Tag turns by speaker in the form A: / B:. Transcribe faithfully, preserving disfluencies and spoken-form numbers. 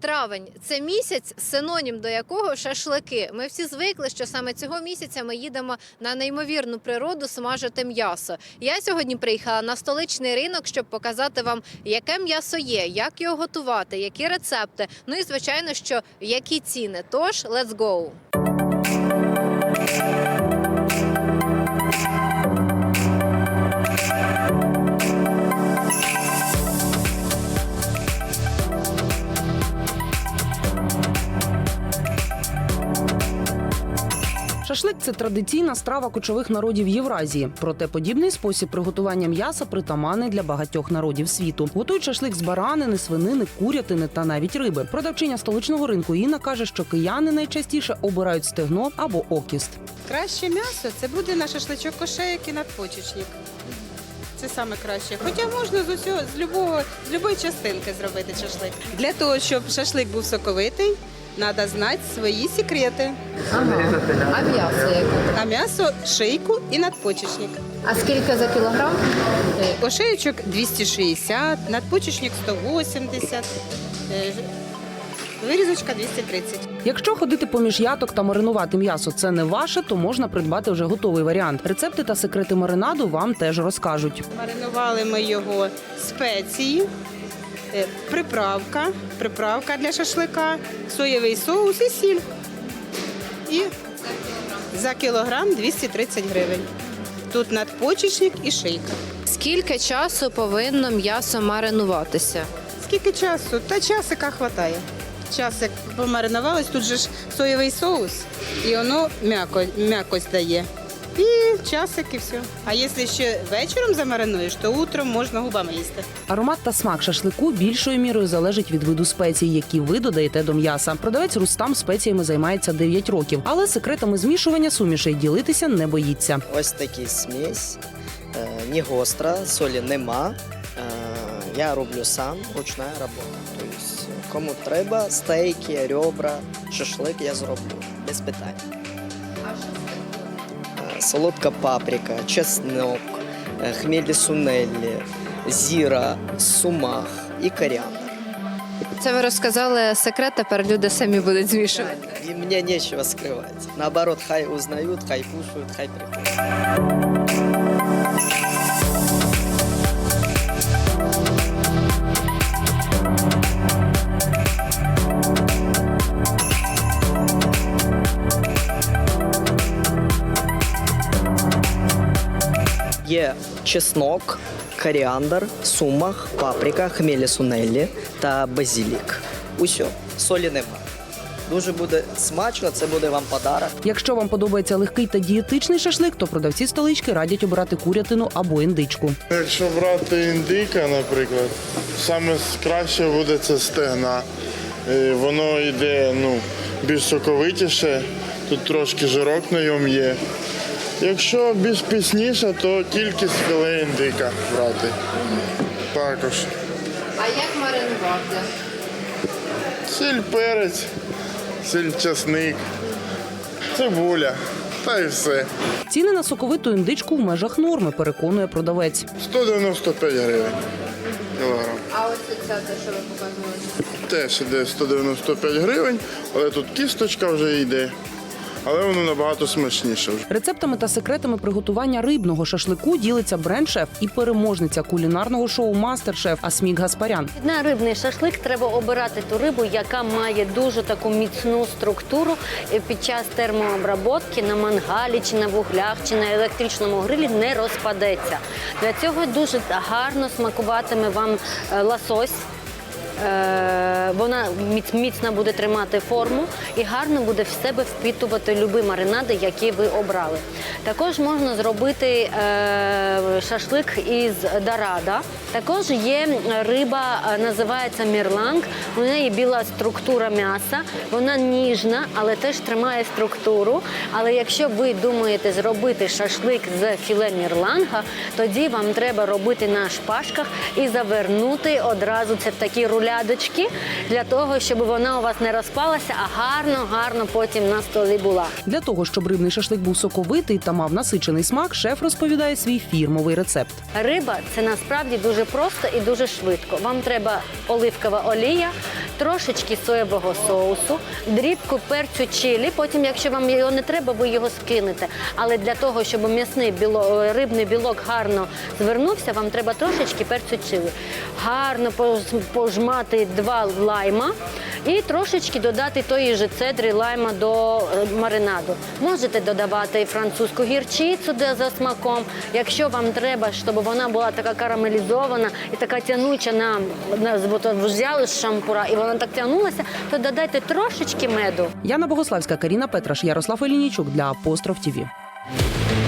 A: Травень – це місяць, синонім до якого шашлики. Ми всі звикли, що саме цього місяця ми їдемо на неймовірну природу смажити м'ясо. Я сьогодні приїхала на столичний ринок, щоб показати вам, яке м'ясо є, як його готувати, які рецепти, ну і, звичайно, що які ціни. Тож, let's go!
B: Шашлик – це традиційна страва кочових народів Євразії. Проте подібний спосіб приготування м'яса притаманний для багатьох народів світу. Готують шашлик з баранини, свинини, курятини та навіть риби. Продавчиня столичного ринку Інна каже, що кияни найчастіше обирають стегно або окіст.
C: Краще м'ясо – це буде на шашличок кошеяк і надпочечник. Це саме краще. Хоча можна з усього, з любого, з любої частинки зробити шашлик. Для того, щоб шашлик був соковитий, треба знати свої секрети.
A: Ага. А м'ясо яке?
C: А м'ясо – шийку і надпочечник.
A: А скільки за кілограм?
C: Ошеючок двісті шістдесят, надпочечник сто вісімдесят, е, вирізочка двісті тридцять.
B: Якщо ходити поміж яток та маринувати м'ясо – це не ваше, то можна придбати вже готовий варіант. Рецепти та секрети маринаду вам теж розкажуть.
C: Маринували ми його спеції, е, приправка, приправка для шашлика, соєвий соус і сіль. І за кілограм двісті тридцять гривень. Тут надпочечник і шийка.
A: Скільки часу повинно м'ясо маринуватися?
C: Скільки часу? Та часика хватає. Часик помаринувалось, тут же ж соєвий соус, і воно м'яко, м'якость дає. І часик, і все. А якщо ще вечором замаринуєш, то утром можна губами їсти.
B: Аромат та смак шашлику більшою мірою залежить від виду спецій, які ви додаєте до м'яса. Продавець Рустам спеціями займається дев'ять років, але секретами змішування сумішей ділитися не боїться.
D: Ось такий смесь, е, не гостра, солі нема. Е, Я роблю сам, ручна робота. Тобто, кому треба, стейки, ребра, шашлик я зроблю, без питань. Е, Солодка паприка, чеснок, е, хмелі сунелі, зіра, сумах і коріандр.
A: Це ви розказали секрет, тепер люди самі будуть змішувати.
D: І мені нічого скривати. Наоборот, хай узнають, хай кушають, хай приходять. Є чеснок, коріандр, сумах, паприка, хмелі сунелі та базилік. Усьо, солі нема. Дуже буде смачно, це буде вам подарок.
B: Якщо вам подобається легкий та дієтичний шашлик, то продавці столички радять обирати курятину або індичку.
E: Якщо брати індика, наприклад, саме краще буде це стегна. Е, Воно йде ну, більш соковитіше, тут трошки жирок на ньому є. Якщо більш пісніше, то тільки з філе індика брати. Також.
A: А як маринувати?
E: Сіль, перець, сіль, часник, цибуля та й все.
B: Ціни на соковиту індичку в межах норми, переконує продавець.
E: сто дев'яносто п'ять гривень кілограм.
A: А ось це те, що ви показували?
E: Теж іде сто дев'яносто п'ять гривень, але тут кісточка вже йде. Але воно набагато смачніше вже.
B: Рецептами та секретами приготування рибного шашлику ділиться бренд-шеф і переможниця кулінарного шоу «Мастер-шеф» Асмік Гаспарян.
F: На рибний шашлик треба обирати ту рибу, яка має дуже таку міцну структуру під час термообработки на мангалі, чи на вуглях, чи на електричному грилі не розпадеться. Для цього дуже гарно смакуватиме вам лосось. Вона міцно буде тримати форму і гарно буде в себе впітувати любі маринади, які ви обрали. Також можна зробити шашлик із дорадо. Також є риба, називається мірланг. У неї біла структура м'яса, вона ніжна, але теж тримає структуру. Але якщо ви думаєте зробити шашлик з філе мірланга, тоді вам треба робити на шпажках і завернути одразу це в такі рулядочки для того, щоб вона у вас не розпалася, а гарно-гарно потім на столі була.
B: Для того, щоб рибний шашлик був соковитий та мав насичений смак, шеф розповідає свій фірмовий рецепт.
F: Риба – це насправді дуже просто і дуже швидко. Вам треба оливкова олія, трошечки соєвого соусу, дрібку перцю чилі. Потім, якщо вам його не треба, ви його скинете. Але для того, щоб м'ясний біло, рибний білок гарно звернувся, вам треба трошечки перцю чилі. Гарно пожмати два лайма і трошечки додати тої ж цедри лайма до маринаду. Можете додавати французьку гірчицю за смаком. Якщо вам треба, щоб вона була така карамелізована і така тянуча, на, на взяли з шампура і вона так тягнулася, то додайте трошечки меду.
B: Яна Богославська, Каріна Петраш, Ярослав Елінічук для Апостроф ТІВІ.